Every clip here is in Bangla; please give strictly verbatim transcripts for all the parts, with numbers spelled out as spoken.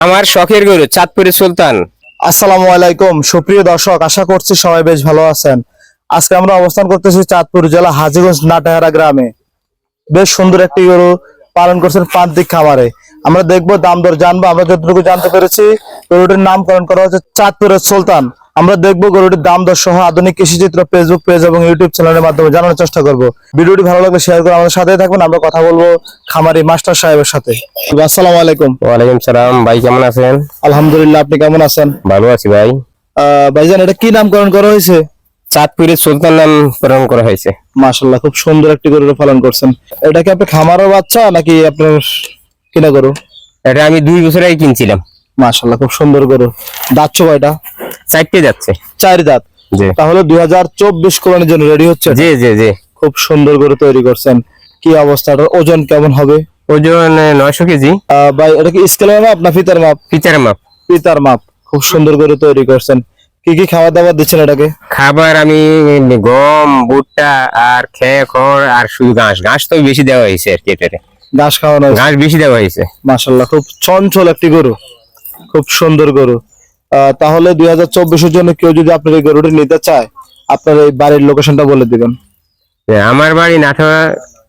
আমার শখের গরু চাঁদপুরের সুলতান। আসসালামু আলাইকুম সুপ্রিয় দর্শক, আশা করছি সবাই বেশ ভালো আছেন। আজকে আমরা অবস্থান করতেছি চাঁদপুর জেলা হাজীগঞ্জ নাটাহারা গ্রামে। বেশ সুন্দর একটি গরু পালন করছেন প্রান্তিক খামারে। আমরা দেখবো দাম দর জানবো। আমরা যতটুকু জানতে পেরেছি গরুটির নামকরণ করা হচ্ছে চাঁদপুরের সুলতান। আমরা দেখবো গরুটির দাম দর সহ আধুনিক কৃষি চিত্র ফেসবুক পেজ এবং ইউটিউব চ্যানেলের মাধ্যমে জানানোর চেষ্টা করব। ভিডিওটি ভালো লাগলে শেয়ার করে আমাদের সাথেই থাকবেন। আমরা কথা বলবো খামারি মাস্টার সাহেবের সাথে। আসসালামু আলাইকুম। ওয়ালাইকুম সালাম ভাই, কেমন আছেন? আলহামদুলিল্লাহ, আপনি কেমন আছেন? ভালো আছি ভাই। আহ ভাইজান, এটা কি নামকরণ করা হয়েছে? চাঁদপুরের সুলতান নামকরণ করা হয়েছে। মাশাআল্লাহ, খুব সুন্দর একটি গরু পালন করছেন। এটা কি আপনি খামারের বাচ্চা নাকি আপনার কিনা গরু? এটা আমি দুই বছর আগে কিনছিলাম। মাশাআল্লাহ, খুব সুন্দর গরু। দাঁত কয়টা? চারটে যাচ্ছে। চার দাঁত। জি। তাহলে দুই হাজার চব্বিশ কোরবানির জন্য রেডি হচ্ছে? জি জি জি। খুব সুন্দর গরু তৈরি করছেন। কি অবস্থাটা, ওজন কেমন হবে? ওজন নয়শো কেজি। আহ ভাই, এটা কি স্কেলের মাপ না ফিতার মাপ? ফিচার মাপ। ফিতার মাপ। খুব সুন্দর গরু তৈরি করছেন। কি কি খাবার দাবার দিচ্ছেন এটাকে? খাবার আমি গম, ভুট্টা আর খেয়ে খড় আর শুধু ঘাস। ঘাস তো বেশি দেওয়া হয়েছে আর কি। এটাতে ঘাস খাওয়ানো হয়েছে? ঘাস বেশি দেওয়া হয়েছে। মাশাআল্লাহ, খুব চঞ্চল একটি গরু, খুব সুন্দর গরু। আহ তাহলে দুই হাজার চব্বিশের জন্য কেউ যদি আপনার এই গরুটি নিতে চায়, আপনার এই বাড়ির লোকেশনটা বলে দিবেন। আমার বাড়ি নাটোরা,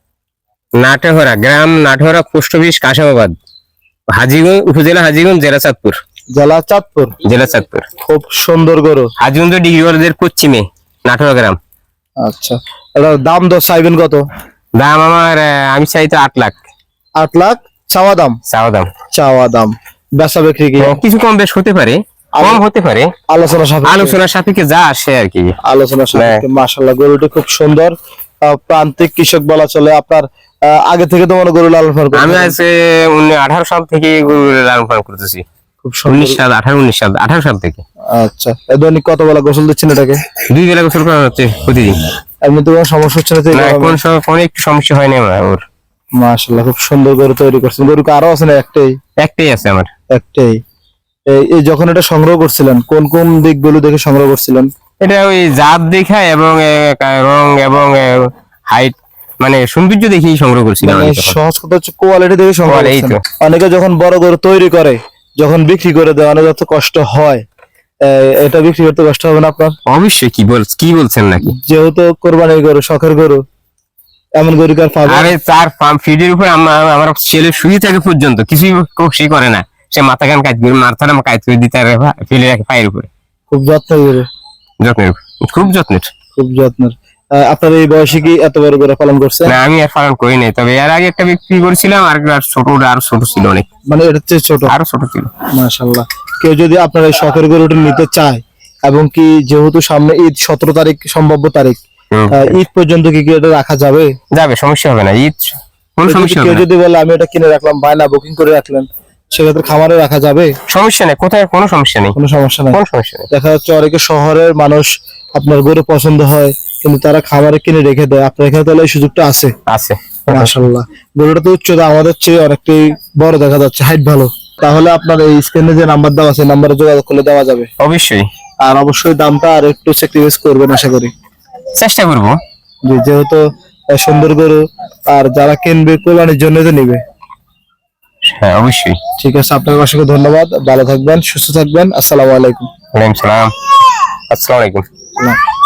নাটোরা গ্রাম, নাটোরা পোস্ট অফিস, কাশাবাদ, হাজীগঞ্জ উপজেলা, হাজীগঞ্জ জেলা চাঁদপুর। জেলা চাঁদপুর। জেলা চাঁদপুর। খুব সুন্দর গরু। হাজীগঞ্জ ডিগ্রি কলেজের পশ্চিমে নাটোরা গ্রাম। আচ্ছা, এটার দাম দর চাইবেন কত? দাম আমার আহ, আমি চাই তো আট লাখ। আট লাখ চাওয়া দাম? চাওয়া দাম। চাওয়া দাম। বেচা বিক্রি কি? হ্যাঁ, কিছু কম বেশ হতে পারে, কম হতে পারে, আলোচনা সাপেক্ষে। আলোচনার সাপেক্ষে যা আসে আর কি। আলোচনা সাপেক্ষে। মাশাআল্লাহ, গরুটি খুব সুন্দর। আহ, প্রান্তিক কৃষক বলা চলে। আপনার আহ, আগে থেকে তো মনে গরু লালন পালন করছেন? আমি আজকে আঠারো সাল থেকে গরু লালন পালন করতেছি। খুব সুন্দর। উনিশ সাল আঠারো উনিশ সাল আঠারো সাল থেকে। আচ্ছা, এ দৈনিক কত বেলা গোসল দিচ্ছেন এটাকে? দুই বেলা গোসল করা হচ্ছে প্রতিদিন। এমনি তো কোনো সমস্যা হচ্ছে না তো? না, কোন সময় কোনো একটু সমস্যা হয় না আমার ওর। মাশাআল্লাহ, খুব সুন্দর গরু তৈরি করছেন। গরু আরো আছে না? একটাই? একটাই আছে আমার। একটাই। এই এই যখন এটা সংগ্রহ করছিলেন কোন কোন দিকগুলো দেখে সংগ্রহ করছিলেন? এটা ওই জাত দেখা এবং আহ, রং এবং হাইট মানে সৌন্দর্য দেখেই সংগ্রহ করছিলাম মানে আমি তখন। সহজ কথা হচ্ছে কোয়ালিটি দেখে সংগ্রহ Quality, এই করছেন। তো। অনেকে যখন বড় গরু তৈরি করে, যখন বিক্রি করে দেয়, অনেক যত কষ্ট হয়। আহ, এটা বিক্রি করতে কষ্ট হবে না আপনার? অবশ্যই। কি বল কি বলছেন নাকি? যেহেতু কোরবানির গরু, শখের গরু, এমন গরু কার পাবে? আরে তার ফার্ম ফিডের উপর আমার আমার ছেলে শুয়ে থাকে পর্যন্ত কিছুই সে করে না। সে মাথা কান কাজ করে, মাথাটা কাজ করে দিতে আর ফেলে রাখে পায়ের উপরে। খুব যত্নের গরু। যত্নের, খুব যত্নের। খুব যত্নের। আহ, আপনার এই বয়সে কি এত বড় গরু পালন করছেন? না, আমি আর পালন করি নাই, তবে এর আগে একটা বিক্রি করেছিলাম। আর আর ছোট, ওটা আরো ছোট ছিল অনেক, মানে এটা চেয়ে ছোট? আরো ছোট ছিল। মাশাআল্লাহ। কেউ যদি আপনার এই শখের গরুটি নিতে চায়, এবং কি যেহেতু সামনে ঈদ, সতেরো তারিখ সম্ভাব্য তারিখ, হুম। আহ, ঈদ পর্যন্ত কি কি এটা রাখা যাবে? যাবে, সমস্যা হবে না। ঈদ কোনো কেউ সমস্যা যদি- হবে কেউ না। যদি বলে আমি এটা কিনে রাখলাম, বায়না বুকিং করে রাখলেন, সেক্ষেত্রে খামারে রাখা যাবে? সমস্যা নেই, কোথায় কোনো সমস্যা নেই, কোনো সমস্যা নাই। কোনো সমস্যা নেই। দেখা যাচ্ছে অনেকে শহরের মানুষ, আপনার গরু পছন্দ হয় কিন্তু তারা খামারে কিনে রেখে দেয়। আপনার এখানে তাহলে এই সুযোগটা আছে? আছে। মাশাআল্লাহ। গরুটা তো উচ্চতা আমাদের চেয়ে অনেকটাই বড় দেখা যাচ্ছে, হাইট ভালো। তাহলে আপনার এই স্ক্রিনে যে নাম্বার দেওয়া আছে, নাম্বারে যোগাযোগ করলে দেওয়া যাবে? অবশ্যই আর অবশ্যই দামটা আর একটু স্যাক্রিফাইস করবেন আশা করি। চেষ্টা করবো। জি, যেহেতু আহ, সুন্দর গরু, আর যারা কিনবে কোরবানির জন্য তো নিবে। হ্যাঁ, অবশ্যই। ঠিক আছে, আপনাকে অসংখ্য ধন্যবাদ। ভালো থাকবেন, সুস্থ থাকবেন। আসসালামু আলাইকুম। ওয়ালাইকুম সালাম। আসসালামু আলাইকুম। না।